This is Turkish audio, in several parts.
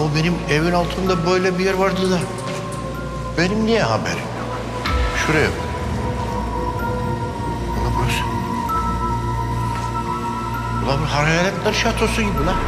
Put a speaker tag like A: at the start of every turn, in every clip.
A: benim evin altında böyle bir yer vardı da benim niye haberim yok? Şuraya bak. Ulan burası. Ulan bu hayaletler şatosu gibi lan.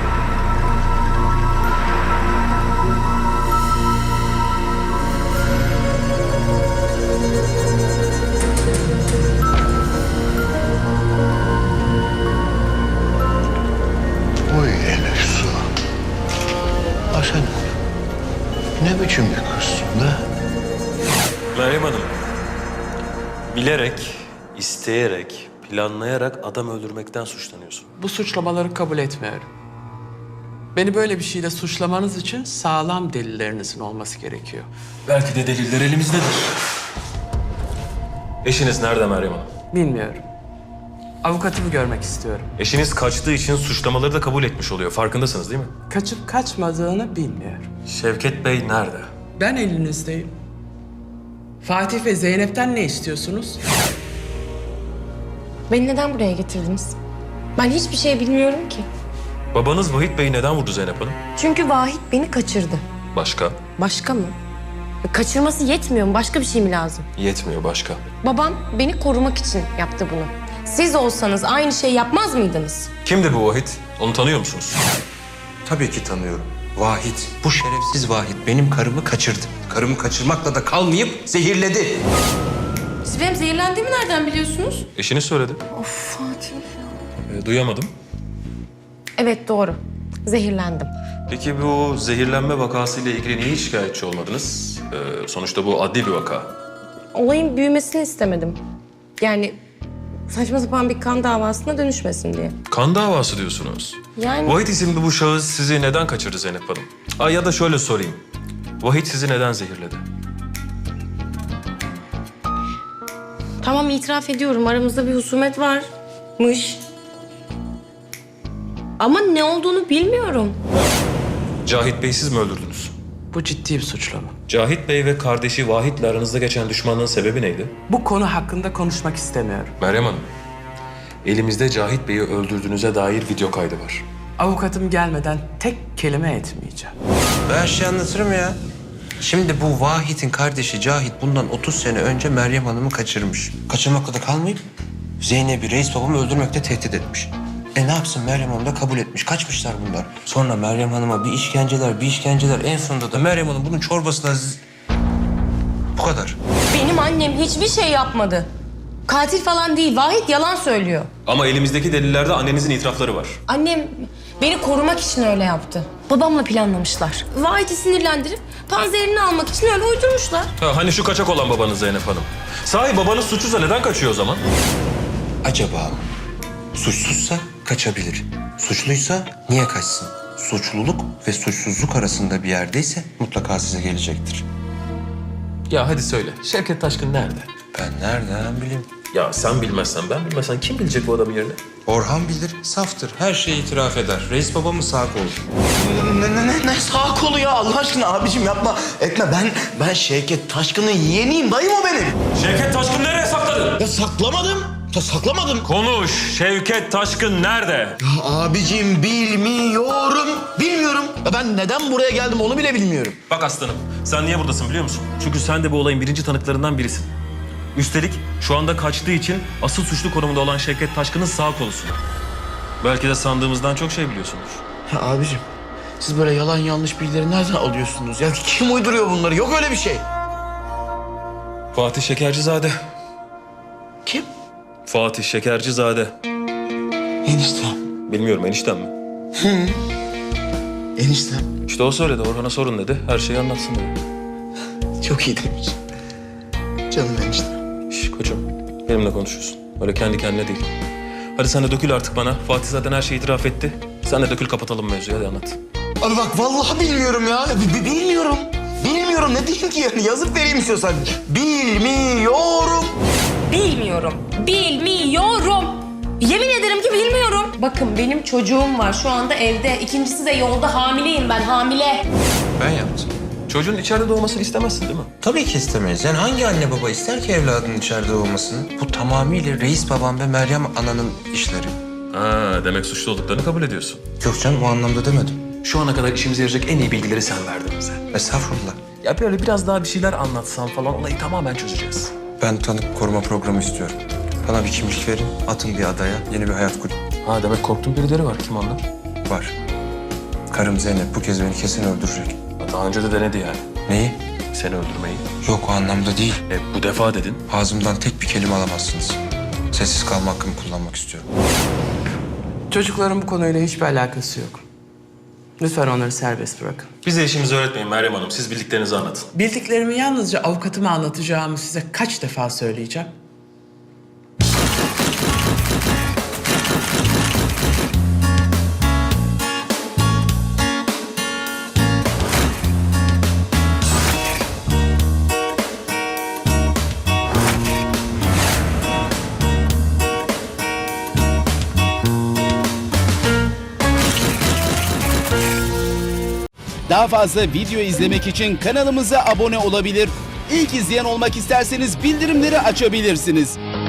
A: Oy Elif Su. Ha sen ne biçim bir kızsın da?
B: Meryem Hanım, bilerek, isteyerek, planlayarak adam öldürmekten suçlanıyorsun.
C: Bu suçlamaları kabul etmiyorum. Beni böyle bir şeyle suçlamanız için sağlam delillerinizin olması gerekiyor.
B: Belki de deliller elimizdedir. Eşiniz nerede Meryem Hanım?
C: Bilmiyorum. Avukatımı görmek istiyorum.
B: Eşiniz kaçtığı için suçlamaları da kabul etmiş oluyor. Farkındasınız değil mi?
C: Kaçıp kaçmadığını bilmiyorum.
B: Şevket Bey nerede?
C: Ben elinizdeyim. Fatih ve Zeynep'ten ne istiyorsunuz?
D: Beni neden buraya getirdiniz? Ben hiçbir şey bilmiyorum ki.
B: Babanız Vahit Bey'i neden vurdu Zeynep Hanım?
D: Çünkü Vahit beni kaçırdı.
B: Başka?
D: Başka mı? Kaçırması yetmiyor mu? Başka bir şey mi lazım?
B: Yetmiyor başka.
D: Babam beni korumak için yaptı bunu. Siz olsanız aynı şeyi yapmaz mıydınız?
B: Kimdi bu Vahit? Onu tanıyor musunuz?
E: Tabii ki tanıyorum. Vahit, bu şerefsiz Vahit benim karımı kaçırdı. Karımı kaçırmakla da kalmayıp zehirledi.
D: Siz benim zehirlendiğimi nereden biliyorsunuz?
B: Eşiniz söyledi.
D: Of Fatih.
B: Duyamadım.
D: Evet doğru. Zehirlendim.
B: Peki bu zehirlenme vakasıyla ilgili niye şikayetçi olmadınız? Sonuçta bu adli bir vaka.
D: Olayın büyümesini istemedim. Yani saçma sapan bir kan davasına dönüşmesin diye.
B: Kan davası diyorsunuz.
D: Yani
B: Vahit isimli bu şahıs sizi neden kaçırdı Zeynep Hanım? Ya da şöyle sorayım. Vahit sizi neden zehirledi?
D: tamam itiraf ediyorum aramızda bir husumet varmış. Ama ne olduğunu bilmiyorum.
B: Cahit Bey siz mi öldürdünüz?
C: Bu ciddi bir suçlama.
B: Cahit Bey ve kardeşi Vahit'le aranızda geçen düşmanlığın sebebi neydi?
C: Bu konu hakkında konuşmak istemiyorum.
B: Meryem Hanım, elimizde Cahit Bey'i öldürdüğünüze dair video kaydı var.
C: Avukatım gelmeden tek kelime etmeyeceğim.
E: Ben şey anlatırım ya. Şimdi bu Vahit'in kardeşi Cahit bundan 30 sene önce Meryem Hanım'ı kaçırmış. Kaçırmakla da kalmayıp Zeynep'i reis babamı öldürmekle tehdit etmiş. Ne yapsın Meryem Hanım da kabul etmiş. Kaçmışlar bunlar. Sonra Meryem Hanım'a bir işkenceler. En sonunda da Meryem Hanım bunun çorbasına... Bu kadar.
D: Benim annem hiçbir şey yapmadı. Katil falan değil. Vahit yalan söylüyor.
B: Ama elimizdeki delillerde annenizin itirafları var.
D: Annem beni korumak için öyle yaptı. Babamla planlamışlar. Vahit'i sinirlendirip panzerini almak için öyle uydurmuşlar.
B: Hani şu kaçak olan babanız Zeynep Hanım. Sahi babanız suçsuzsa neden kaçıyor o zaman?
E: Acaba suçsuzsa kaçabilir. Suçluysa niye kaçsın? Suçluluk ve suçsuzluk arasında bir yerdeyse mutlaka size gelecektir.
B: Ya hadi söyle, Şevket Taşkın nerede?
E: Ben nereden bileyim?
B: Ya sen bilmezsen ben bilmezsen kim bilecek bu adamın yerini?
E: Orhan bilir, saftır. Her şeyi itiraf eder. Reis babamın sağ kolu.
A: Ne sağ kolu ya Allah aşkına abicim yapma etme ben Şevket Taşkın'ın yeğeniyim dayım o benim.
B: Şevket Taşkın nereye sakladın?
A: Ya saklamadım.
B: Konuş, Şevket Taşkın nerede?
A: Ya abicim bilmiyorum. Ya ben neden buraya geldim onu bile bilmiyorum.
B: Bak aslanım, sen niye buradasın biliyor musun? Çünkü sen de bu olayın birinci tanıklarından birisin. Üstelik şu anda kaçtığı için asıl suçlu konumunda olan Şevket Taşkın'ın sağ kolusun. Belki de sandığımızdan çok şey biliyorsundur.
A: Ya abicim siz böyle yalan yanlış bilgileri nereden alıyorsunuz? Ya kim uyduruyor bunları? Yok öyle bir şey.
B: Fatih Şekercizade.
A: Kim?
B: Fatih Şekercizade.
A: Eniştem.
B: Bilmiyorum eniştem mi?
A: Eniştem.
B: İşte o söyledi, Orhan'a sorun dedi. Her şeyi anlatsın dedi.
A: Çok iyi demiş. Canım eniştem.
B: Şş koçum, benimle konuşuyorsun. Öyle kendi kendine değil. Hadi sen de dökül artık bana. Fatih zaten her şeyi itiraf etti. Sen de dökül kapatalım mevzuyu, hadi anlat.
A: Abi bak vallahi bilmiyorum ya. Bilmiyorum. Bilmiyorum ne diyeyim ki yani yazıp vereyim istiyorsan. Bilmiyorum.
D: Bilmiyorum. Yemin ederim ki bilmiyorum. Bakın benim çocuğum var şu anda evde. İkincisi de yolda hamileyim ben hamile.
E: Ben yaptım.
B: Çocuğun içeride doğmasını istemezsin değil mi?
E: Tabii ki istemeyiz. Yani hangi anne baba ister ki evladının içeride olmasını? Bu tamamıyla reis babam ve Meryem ananın işleri.
B: Ha, demek suçlu olduklarını kabul ediyorsun.
E: Yok canım o anlamda demedim.
B: Şu ana kadar işimize yarayacak en iyi bilgileri sen verdin bize.
E: Estağfurullah.
B: Ya böyle biraz daha bir şeyler anlatsan falan olayı tamamen çözeceğiz.
E: Ben tanık koruma programı istiyorum. Bana bir kimlik verin, atın bir adaya, yeni bir hayat kurun.
B: Ha demek korktuğun birileri var. Kim onlar?
E: Var. Karım Zeynep bu kez beni kesin öldürecek.
B: Daha önce de denedi yani.
E: Neyi?
B: Seni öldürmeyi.
E: Yok o anlamda değil.
B: Bu defa dedin.
E: Ağzımdan tek bir kelime alamazsınız. Sessiz kalma hakkımı kullanmak istiyorum.
C: Çocukların bu konuyla hiçbir alakası yok. Lütfen onları serbest bırakın.
B: Bize işimizi öğretmeyin Meryem Hanım. Siz bildiklerinizi anlatın.
C: Bildiklerimi yalnızca avukatıma anlatacağımı size kaç defa söyleyeceğim?
F: Daha fazla video izlemek için kanalımıza abone olabilir. İlk izleyen olmak isterseniz bildirimleri açabilirsiniz.